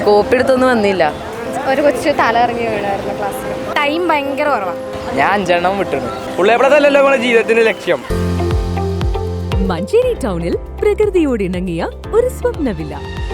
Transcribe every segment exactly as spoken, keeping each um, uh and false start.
Copy എടുത്തൊന്നും വന്നില്ല. ഒരു കൊച്ചു തലയിറങ്ങി വീണായിരുന്നു ക്ലാസ്സിൽ. ടൈം ഭയങ്കര കുറവാണ്. ഞാൻ അഞ്ചെണ്ണം വിട്ടിരുന്നു. ഉള്ളേപ്പടത്തല്ലല്ലോ നമ്മുടെ ജീവിതത്തിന്റെ ലക്ഷ്യം. മഞ്ചേരി ടൗണിൽ പ്രകൃതിയോട് ഇണങ്ങിയ ഒരു സ്വപ്ന വില്ല.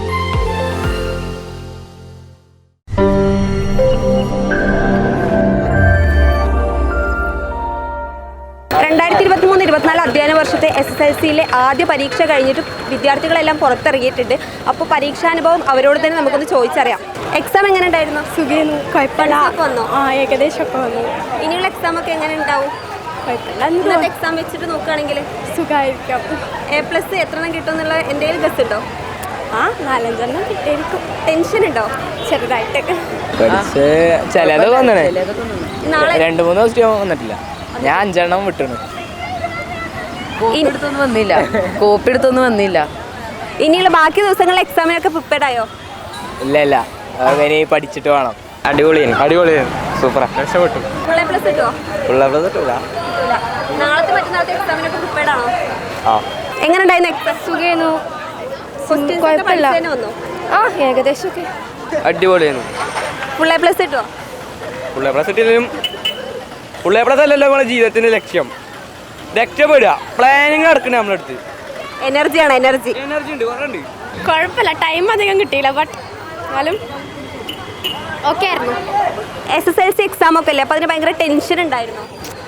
രണ്ടായിരത്തി ഇരുപത്തി മൂന്ന് ഇരുപത്തിനാല് അധ്യയന വർഷത്തെ എസ് എസ് എൽ സിയിലെ ആദ്യ പരീക്ഷ കഴിഞ്ഞിട്ട് വിദ്യാർത്ഥികളെല്ലാം പുറത്തിറങ്ങിയിട്ടുണ്ട്. അപ്പോൾ പരീക്ഷാനുഭവം അവരോട് തന്നെ നമുക്കൊന്ന് ചോദിച്ചറിയാം. എക്സാം എങ്ങനെ ഉണ്ടായിരുന്നു? സുഖേന്നു, കുഴപ്പമില്ല. വന്നോ? ആ, ഏകദേശമൊക്കെ വന്നു. ഇനിയുള്ള എക്സാം ഒക്കെ എങ്ങനെ ഉണ്ടാവും? കുഴപ്പമില്ല. എക്സാം വെച്ചിട്ട് നോക്കുകയാണെങ്കിൽ സുഖമായിരിക്കും. എ പ്ലസ് എത്ര എണ്ണം കിട്ടും എന്നുള്ള എന്തെങ്കിലും ഗസ് ഉണ്ടോ? ആ, നാലഞ്ചെണ്ണം കിട്ടിയിരിക്കും. ടെൻഷൻ ഉണ്ടോ? ചെറുതായിട്ടൊക്കെ. പഠിച്ച് ചിലതൊക്കെ വന്നേ. നാളെ രണ്ടു മൂന്ന് ദിവസം വന്നിട്ടില്ല. ഞാൻ അഞ്ചെണ്ണം വിട്ടിരുന്നു. കോപ്പി എടുത്തൊന്നും വന്നില്ല. കോപ്പി എടുത്തൊന്നും വന്നില്ല. ഇനിയുള്ള ബാക്കി ദിവസങ്ങളിൽ എക്സാമിനൊക്കെ പ്രിപ്പയർഡ് ആയോ? ഇല്ല ഇല്ല, അങ്ങനെ പഠിച്ചിട്ട് വേണം. അടിപൊളിയാണ് അടിപൊളിയാണ് സൂപ്പറാ. രക്ഷപ്പെട്ടു. ഫുൾ എ പ്ലസ് കിട്ടുമോ? ഫുൾ എ പ്ലസ് കിട്ടൂല. നാളത്തെ മറ്റന്നാളത്തെ എക്സാമിനൊക്കെ പ്രിപ്പയർഡ് ആണോ? ആ. എങ്ങനെ ഉണ്ടായിരുന്നു എക്സാം? സുഖേന്നു, കുഴപ്പമില്ല. വന്നു ആ, ഏകദേശമൊക്കെ അടിപൊളിയാണ്. ഫുൾ എ പ്ലസ് കിട്ടുമോ? ഫുൾ എ പ്ലസ് കിട്ടിയാലും ഫുൾ എ പ്ലസ് അല്ലല്ലോ നമ്മുടെ ജീവിതത്തിന്റെ ലക്ഷ്യം. രക്ഷപ്പെടുക. പ്ലാനിങ് നടക്കണേ നമ്മളടുത്ത്. എനർജിയാണ് എനർജി. എനർജി ഉണ്ട്, കുറേ ഉണ്ട്. കുഴപ്പമില്ല. ടൈം അധികം കിട്ടിയില്ല, ബട്ട് എന്നാലും ഓക്കെ ആയിരുന്നു. S S L C exam ഒക്കെ അല്ലേ, അപ്പോൾ അതിന് ഭയങ്കര ടെൻഷൻ ഉണ്ടായിരുന്നു.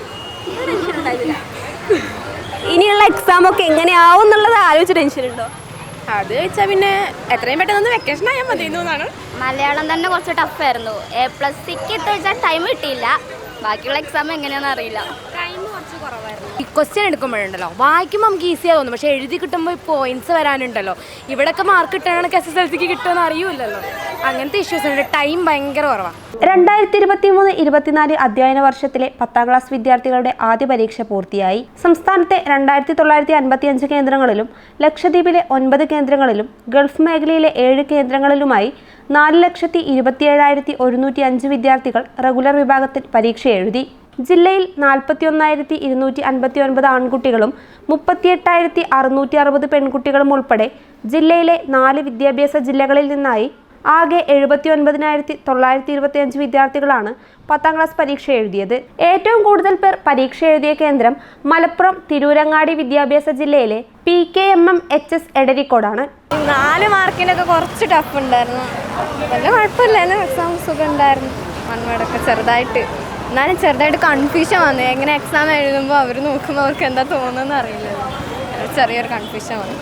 ഇനിയുള്ള എക്സാം ഒക്കെ എങ്ങനെയാവും എന്നുള്ളത് ആലോചിച്ച് ടെൻഷൻ ഉണ്ടോ? അത് വെച്ചാൽ പിന്നെ എത്രയും പെട്ടെന്ന് വെക്കേഷൻ ആയാൽ മതി എന്നാണ്. മലയാളം തന്നെ കുറച്ച് ടഫായിരുന്നു. എ പ്ലസ് സിക്ക് എത്ര വെച്ചാൽ ടൈം കിട്ടിയില്ല. ബാക്കിയുള്ള എക്സാം എങ്ങനെയാണെന്ന് അറിയില്ല. ടൈം കുറച്ച് കുറവായിരുന്നു. ഈ ക്വസ്റ്റ്യൻ എടുക്കുമ്പോഴുണ്ടല്ലോ വായിക്കുമ്പോൾ നമുക്ക് ഈസിയായി തോന്നും, പക്ഷേ എഴുതി കിട്ടുമ്പോൾ പോയിന്റ്സ് വരാനുണ്ടല്ലോ. ഇവിടെയൊക്കെ മാർക്ക് കിട്ടണമെങ്കിൽ എസ് എസ് എൽ സിക്ക് കിട്ടുമെന്ന് അറിയില്ലല്ലോ. അങ്ങനത്തെ ഇഷ്യൂസ് ഉണ്ട്. ടൈം ഭയങ്കര കുറവാണ്. രണ്ടായിരത്തി ഇരുപത്തി മൂന്ന് ഇരുപത്തിനാല് അധ്യയന വർഷത്തിലെ പത്താം ക്ലാസ് വിദ്യാർത്ഥികളുടെ ആദ്യ പരീക്ഷ പൂർത്തിയായി. സംസ്ഥാനത്തെ രണ്ടായിരത്തി തൊള്ളായിരത്തി അൻപത്തി അഞ്ച് കേന്ദ്രങ്ങളിലും ലക്ഷദ്വീപിലെ ഒൻപത് കേന്ദ്രങ്ങളിലും ഗൾഫ് മേഖലയിലെ ഏഴ് കേന്ദ്രങ്ങളിലുമായി നാല് ലക്ഷത്തി ഇരുപത്തിയേഴായിരത്തി ഒരുന്നൂറ്റി അഞ്ച് വിദ്യാർത്ഥികൾ റെഗുലർ വിഭാഗത്തിൽ പരീക്ഷ എഴുതി. ജില്ലയിൽ നാൽപ്പത്തി ഒന്നായിരത്തി ഇരുന്നൂറ്റി അൻപത്തി ഒൻപത് ആൺകുട്ടികളും മുപ്പത്തിയെട്ടായിരത്തി അറുന്നൂറ്റി അറുപത് പെൺകുട്ടികളും ഉൾപ്പെടെ ജില്ലയിലെ നാല് വിദ്യാഭ്യാസ ജില്ലകളിൽ നിന്നായി ആകെ എഴുപത്തി ഒൻപതിനായിരത്തി തൊള്ളായിരത്തി ഇരുപത്തി അഞ്ച് വിദ്യാർത്ഥികളാണ് പത്താം ക്ലാസ് പരീക്ഷ എഴുതിയത്. ഏറ്റവും കൂടുതൽ പേർ പരീക്ഷ എഴുതിയ കേന്ദ്രം മലപ്പുറം തിരൂരങ്ങാടി വിദ്യാഭ്യാസ ജില്ലയിലെ P K M M H S എടരിക്കോടാണ്. നാല് മാർക്കിനൊക്കെ കുറച്ച് ടഫ് ഉണ്ടായിരുന്നു. വലിയ കുഴപ്പമില്ലായിരുന്നു. എക്സാം സുഖം ഉണ്ടായിരുന്നു. വൺ വേർഡൊക്കെ ചെറുതായിട്ട്, എന്നാലും ചെറുതായിട്ട് കൺഫ്യൂഷൻ വന്നു. എങ്ങനെ എക്സാം എഴുതുമ്പോൾ അവർ നോക്കുമ്പോൾ അവർക്ക് എന്താ തോന്നുന്നതെന്ന് അറിയില്ല. ചെറിയൊരു കൺഫ്യൂഷൻ വന്നു.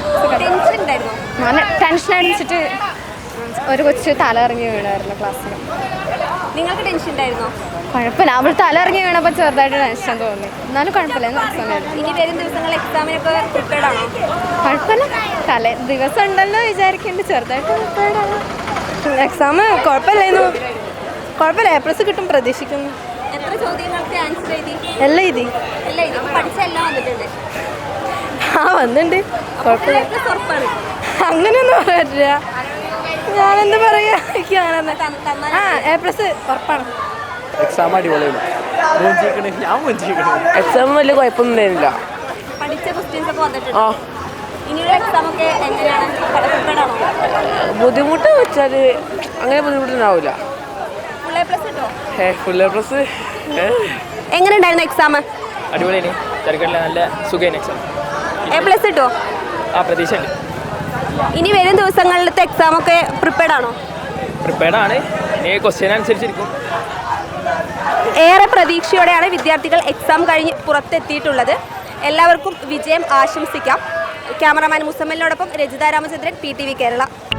നല്ല ടെൻഷൻ അടിച്ചിട്ട് ഒരു കൊച്ചു തലയിറങ്ങി വീണായിരുന്നു ക്ലാസ്സിൽ. നിങ്ങൾക്ക് ടെൻഷൻ ഉണ്ടായിരുന്നോ? കുഴപ്പമില്ല. അവൾ തലയിറങ്ങി വീണപ്പോൾ ചെറുതായിട്ട് ടെൻഷൻ തോന്നി. എന്നാലും കുഴപ്പമില്ല. എക്സാം എഴുതി. ഇനി വരും ദിവസങ്ങളിൽ എക്സാമിനൊക്കെ പ്രിപ്പയർഡ് ആണോ? കുഴപ്പമില്ല. തലേ ദിവസം ഉണ്ടല്ലോ വിചാരിക്കുന്നുണ്ട്. ചെറുതായിട്ട് പ്രിപ്പയർഡ് ആണ്. എക്സാം കുഴപ്പമില്ലായിരുന്നു. കുഴപ്പമില്ല. എ പ്ലസ് കിട്ടും പ്രതീക്ഷിക്കുന്നു. എത്ര ചോദ്യങ്ങൾക്ക് ആൻസർ എഴുതി? എല്ലാം എഴുതി. എല്ലാം എഴുതി. പഠിച്ച എല്ലാം വന്നിട്ടുണ്ട്. ആ, വന്നിട്ടുണ്ട്. കുഴപ്പമില്ല. ഉറപ്പാണ്. അങ്ങനെയൊന്നും പറയാ. ഞാനെന്താ പറയാ, ആ എ പ്ലസ് ഉറപ്പാണ്. എക്സാം അടിപൊളിയാണ്. ഞാൻ എക്സാം വലിയ കുഴപ്പമൊന്നും ഉണ്ടായിരുന്നില്ല. പഠിച്ച ക്വസ്റ്റ്യൻസ് ഒക്കെ വന്നിട്ടുണ്ട്. ഇനിയുള്ള എക്സാം ഒക്കെ എങ്ങനെയാണ്? പ്രിപ്പയർഡ് ആണോ? ബുദ്ധിമുട്ട് വെച്ചാൽ അങ്ങനെ ബുദ്ധിമുട്ടുണ്ടാവില്ല. ഫുൾ എ പ്ലസ് കിട്ടോ? Full A plus. എങ്ങനെ ഉണ്ടായിരുന്നു എക്സാം? അടിപൊളിയാണ്. തിരക്കില്ല, നല്ല സുഖമാണ് എക്സാം. എ പ്ലസ് കിട്ടോ? ആ, പ്രതീക്ഷ ഉണ്ട്. ഇനി വരും ദിവസങ്ങളിലത്തെ എക്സാം ഒക്കെ പ്രിപ്പയർഡ് ആണോ? പ്രിപ്പയർഡ് ആണ്. ഇനി ക്വസ്റ്റ്യൻ അനുസരിച്ചിരിക്കും. ഏറെ പ്രതീക്ഷയോടെയാണ് വിദ്യാർത്ഥികൾ എക്സാം കഴിഞ്ഞ് പുറത്തെത്തിയിട്ടുള്ളത്. എല്ലാവർക്കും വിജയം ആശംസിക്കാം. ക്യാമറമാൻ മുസമ്മലിനോടൊപ്പം Rajitha Ramachandran, P T V Kerala.